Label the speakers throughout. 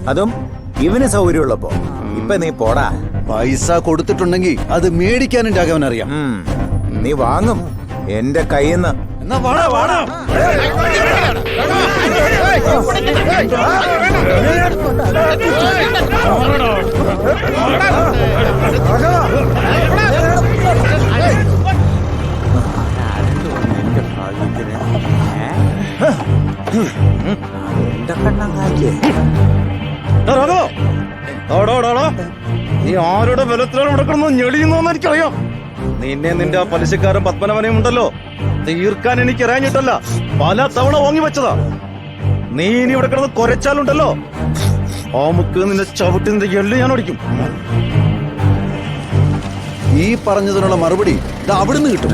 Speaker 1: അതും ഇവന് സൗകര്യമുള്ളപ്പോ. ഇപ്പൊ നീ പോടാ.
Speaker 2: പൈസ കൊടുത്തിട്ടുണ്ടെങ്കിൽ അത് മേടിക്കാനും രാഘവൻ അറിയാം.
Speaker 1: നീ വാങ്ങും എന്റെ കയ്യിന്ന്.
Speaker 2: എന്നാ വാടാ വാടാ.
Speaker 3: നീ ആരുടെ ബലത്തിലാണ് നടക്കണമെന്ന് ഞെളിയുന്നോന്ന് എനിക്കറിയാം. നിന്നെ നിന്റെ ആ പലിശക്കാരൻ പത്മനാഭനെയും ഉണ്ടല്ലോ തീർക്കാൻ എനിക്ക് അറിയാഞ്ഞിട്ടല്ല, പല തവണ വാങ്ങി വെച്ചതാ. നീ ഇനി ഇവിടെ കിടന്ന് കൊരച്ചാലുണ്ടല്ലോ ആ മുക്ക് നിന്റെ ചവിട്ടി നിന്റെ എള്ളി ഞാൻ ഓടിക്കും.
Speaker 2: ഈ പറഞ്ഞതിനുള്ള മറുപടി ഇത് അവിടുന്ന് കിട്ടും.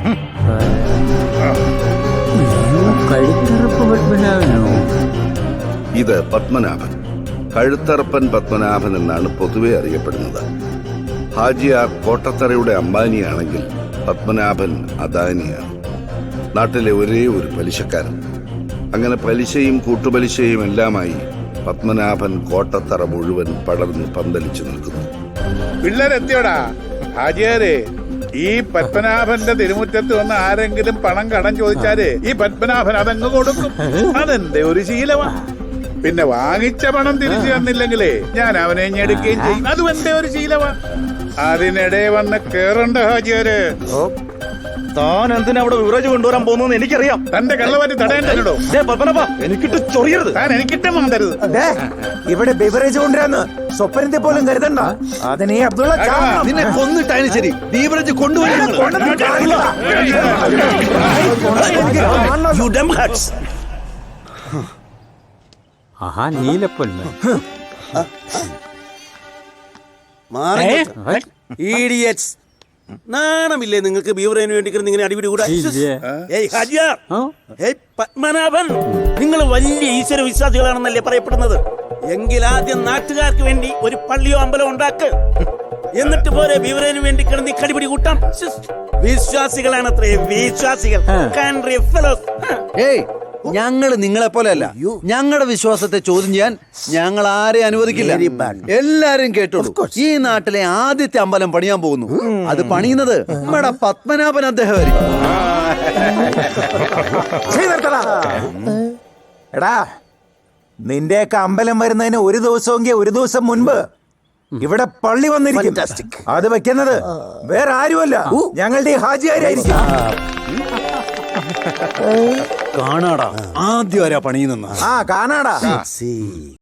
Speaker 4: ഇത് പത്മനാഭൻ, കഴുത്തറപ്പൻ പത്മനാഭൻ എന്നാണ് പൊതുവെ അറിയപ്പെടുന്നത്. ഹാജിയാർ കോട്ടത്തറയുടെ അംബാനിയാണെങ്കിൽ പത്മനാഭൻ അദാനിയാണ്. നാട്ടിലെ ഒരേ ഒരു പലിശക്കാരൻ. അങ്ങനെ പലിശയും കൂട്ടുപലിശയും എല്ലാമായി പത്മനാഭൻ കോട്ടത്തറ മുഴുവൻ പടർന്ന് പന്തലിച്ചു നിൽക്കുന്നു.
Speaker 5: പിള്ളേരെത്തിയോടാ ഹാജിയാരെ. ഈ പത്മനാഭന്റെ തിരുമുറ്റത്ത് വന്ന് ആരെങ്കിലും പണം കടം ചോദിച്ചാല് ഈ പത്മനാഭൻ അതങ്ങ് കൊടുക്കും. അതെന്റെ ഒരു ശീലമാണ്. പിന്നെ വാങ്ങിച്ച പണം തിരിച്ചു തന്നില്ലെങ്കിലേ ഞാൻ അവനെ ഞെടുക്കുകയും ചെയ്യും. അതും എന്റെ ഒരു ശീലമാണ്. അതിനിടെ വന്ന് കേറണ്ട ഹാജിയാര്.
Speaker 3: താൻ എന്തിനാ അവിടെ വിവറേജ് കൊണ്ടുവരാൻ പോകുന്നു എനിക്കറിയാം.
Speaker 5: തന്റെ കള്ളവാറ്റി തടയേണ്ടല്ലോ.
Speaker 3: പത്മനാഭ എനിക്കിട്ട് ചൊറിയരുത്.
Speaker 5: താൻ എനിക്കിട്ട് മാന്തരുത്.
Speaker 1: ഇവിടെ ബിവറേജ് കൊണ്ടുവരാന്ന് സ്വപ്നത്തെ പോലും കരുതണ്ട. അതിനെ അബ്ദുള്ള
Speaker 2: നിന്നെ കൊന്നിട്ടായാലും ശരി ബീവറേജ് കൊണ്ടുപോയി.
Speaker 6: നീലപ്പൊന്ന്
Speaker 7: നാണമില്ലേ നിങ്ങൾക്ക് ബീവറേന് വേണ്ടി ഇങ്ങനെ അടിപിടി കൂടാ? പത്മനാഭൻ, നിങ്ങൾ വലിയ ഈശ്വര വിശ്വാസികളാണെന്നല്ലേ പറയപ്പെടുന്നത്? എങ്കിൽ ആദ്യം നാട്ടുകാർക്ക് വേണ്ടി ഒരു പള്ളിയോ അമ്പലമോ ഉണ്ടാക്ക്. എന്നിട്ട് പോരെ ബീവറേന് വേണ്ടി കിടന്ന് കടിപിടി കൂട്ടാം. വിശ്വാസികളാണത്രേ, വിശ്വാസികൾ.
Speaker 2: ഞങ്ങള് നിങ്ങളെ പോലെയല്ല. ഞങ്ങളുടെ വിശ്വാസത്തെ ചോദ്യം ചെയ്യാൻ ഞങ്ങൾ ആരെ അനുവദിക്കില്ല. എല്ലാരും കേട്ടോളൂ. ഈ നാട്ടിലെ ആദ്യത്തെ അമ്പലം പണിയാൻ പോകുന്നു. അത് പണിയുന്നത് നമ്മുടെ പത്മനാഭൻ അദ്ദേഹമായിരിക്കും.
Speaker 1: എടാ, നിന്റെയൊക്കെ അമ്പലം വരുന്നതിന് ഒരു ദിവസം മുൻപ് ഇവിടെ പള്ളി വന്നിരിക്കും. അത് വെക്കുന്നത് വേറെ ആരുമല്ല, ഞങ്ങളുടെ ഈ ഹാജിയാരായിരിക്കും.
Speaker 2: കാണാടാ ആദ്യം ആരാ പണിയുന്ന.
Speaker 1: കാണാടാ.